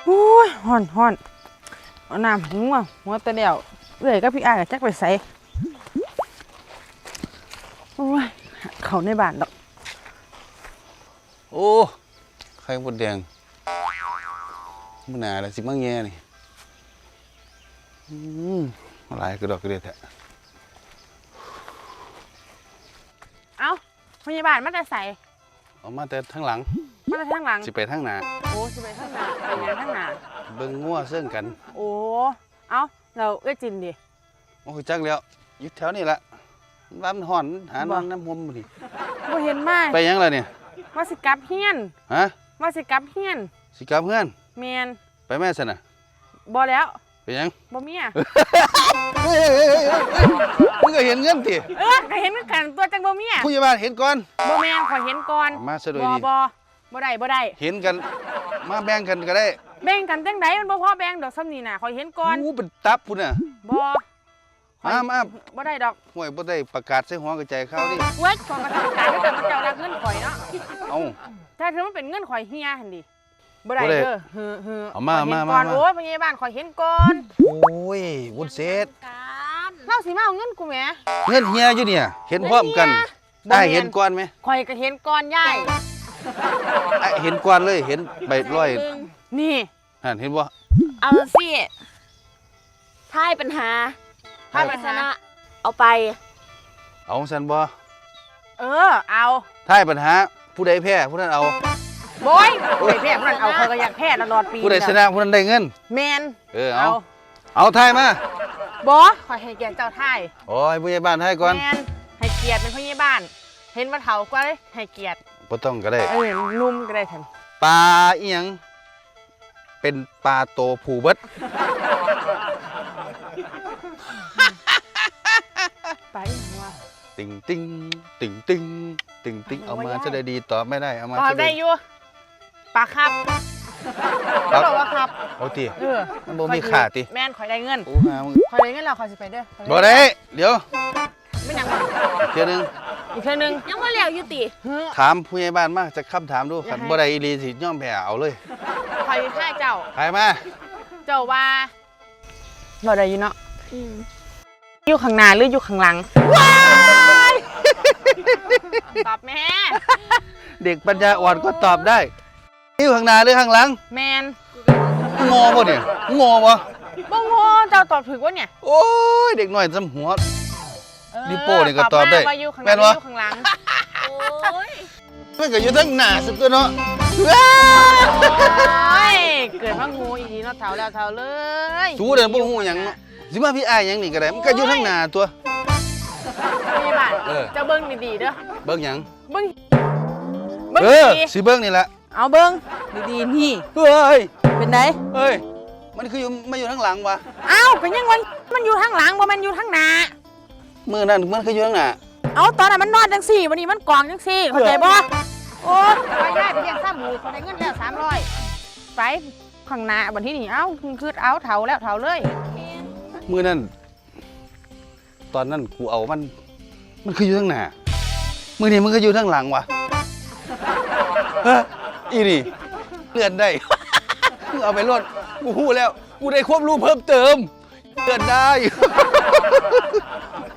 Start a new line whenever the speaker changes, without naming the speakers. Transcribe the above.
อุ้ยห่อนเอาน้ำหัวตะเดี่ยวเอื่อยก็พี่อ้ายจักไปใส่โอ้ยเขาในบ้านดอก
โอ้ไข่มดแดงมันหนาเลยสิมั่งแง่นี่อะไรกระดอกกระเดียดแท้
เอาพยาบาลมาแต่ใส่
เอามาแต่ทั้งหลัง
มาแต่ทางหลัง
สิไปทั้งหน้า
โอ้สิไปทางหน้าไปงานทางหน้า
เบิ่งงัวเสื่องกัน
โอ้เอาเราจินดิ
โอ้ยจักแล้วอยู่แถวนี้ละบ้านห่อนหานอนน้ำหอมดิ
บ่เห็นมา
ไปยังล่ะเนี่ย
ว่าสิกลับเฮียน
ฮะ
ว่าสิกลับเฮียน
สิกลับเพื่อน
แมน
ไปแม่สนะ
บ่แล้ว
ไปยัง
บ่เมีย
มึงก็เห็นเงินติ
ก็เห็นกันตัวจังบ่เมีย
ผู้ใหญ่บ้านเห็นก่อน
บ่แม่นขอเห็นก่อน
มาซะโดยดี
บ่ได้
เห็นกันมาแบ่งกันก็ได้
แบ่งกันจังไดมันบ่พอแบ่งดอกซ้ำนี่น่ะขอเห็นก่อน
เป็นตับพุ่นน่ะ
บ่
มา
บ่ได้ดอก
ห่วยบ่ได้ประกาศใส่หัวกระจายข่าวดิ
เว้ยของกระทำการถ้าเกิดมันเจ้ารักเงินข่อยเนาะ
เอ้า
ถ้าเธอมันเป็นเงินข่อยเฮียหั่นดิบ่ได้เด้อ
เอามา
โอ้ยพยาบาลข่อยเห็นก่อน
โอ้ยวุ้นเศษ
เล่าสิมาเอาเงินกูแหม
เงินเฮียอยู่เนี่ยเห็นพร้อมกันได้เห็นก่อนไหม
ข่อยก็เห็นก่อนยาย
เห็นก่อนเลยเห็นใบร้อย
นี่
เห็นบ่
เอาสิท้ายปัญหาชนะเอาไป
เอาสันบ่
เอา
ท้ายปัญหาผู้ใดแพ้ผู้นั้นเอา
โบยผู้ใดแพ้ผู้นั้นเอาเขาก็อยากแพ้ตลอดปี
ผู้ใดชนะผู้นั้นได้เงิน
แมน
เอาท้ายมา
บอขอให้เกียรติเจ้าท้าย
โอ้ยผู้ใหญ่บ้านท้ายก่อน
แมนให้เกียรติเป็นผู้ใหญ่บ้านเห็นว่าเฒ่ากว่าเลยให้เกียรติ
บ่ต้องก็ได้
นุ่มก็ได้ทัน
ปลาอีหยังเป็นปลาโตผูเบิด
ไปว่า
ติงเอามาจะได้ดีตอบไม่ได้เอามา
จะได้อยู่ปลาครับก็บอกว่าครับ
โอ้ตีมันบ่มีขาติ
แม่นข่อยได้เงินข่อยได้เงินแล้วข่อยสิไปเด้อ
บ่ได้เดี๋ยว
ไม่ยัง
เทื่อนึง
อีกเทื่อนึง
ยังบ่แล้วอยู่ติ
ถามผู้ใหญ่บ้านมาจะคำถามดูคันบ่ได้อีหลีสิยอมแพ้เอาเลย
ข่อยให้เจ้า
ใครมา
เจ้าว่าบ่ได้อยู่เนาะอยู่ข้างหน้าหรืออยู่ข้างหลังว้ายตอบแม่
เด็กปัญญาอ่อนก็ตอบได้อยู่ข้างหน้าหรือข้างหลัง
แมน
งอบ่เนี่ยงอบ่
บ่งอเจ้าตอบถูกวะเนี่ย
โอ้ยเด็กน้อยจำหัวดิโป้นี่ก็ตอบได้
แม่นวะอยู่ข้างหลัง
โอ้ย
มันก็อยู่ทั้งหน้าสุดตัวเนาะ
เกิดมางูอีกทีเนาะเฒ่าแล้วเฒ่าเลย
สู้เด้อบ่ฮู้หยังเนาะสิมาพี่อ้ายหยังนี่ก็ได้มันก็อยู่ทั้งหน้าตัว
พี่บ้านจะเบิ่งดีๆเด้อ
เบิ่งหยัง
เบิ่ง
สิเบิ่งนี่แหละ
เอาเบิ่งดีๆนี่
เฮ้ย
เป็นได
เฮ้ยมันคือมาอยู่ทั้งหลังวะ
เอาเป็นยังมันอยู่ข้างหลังบ่มันอยู่ข้างหน้า
มือนั่นมันคืออยู่ข้างหน้า
เอาตอนนั้นมันนอนจังสี่วันนี้มันกองจังสี่เข้าใจบ่โอ้ไปได้ไปเลี้ยงข้ามหมูเขาได้เงินแล้ว300ไปข้างหน้าวันที่นี่เอ้าคือเอาเฒ่าแล้วเฒ่าเลย
มือนั่นตอนนั้นกูเอามันคืออยู่ข้างหน้ามือนี่มันก็อยู่ข้างหลังวะอีนี่เลื่อนได้เอาไปรถกูพูดแล้วกูได้ควบรู้เพิ่มเติมเลื่อนได้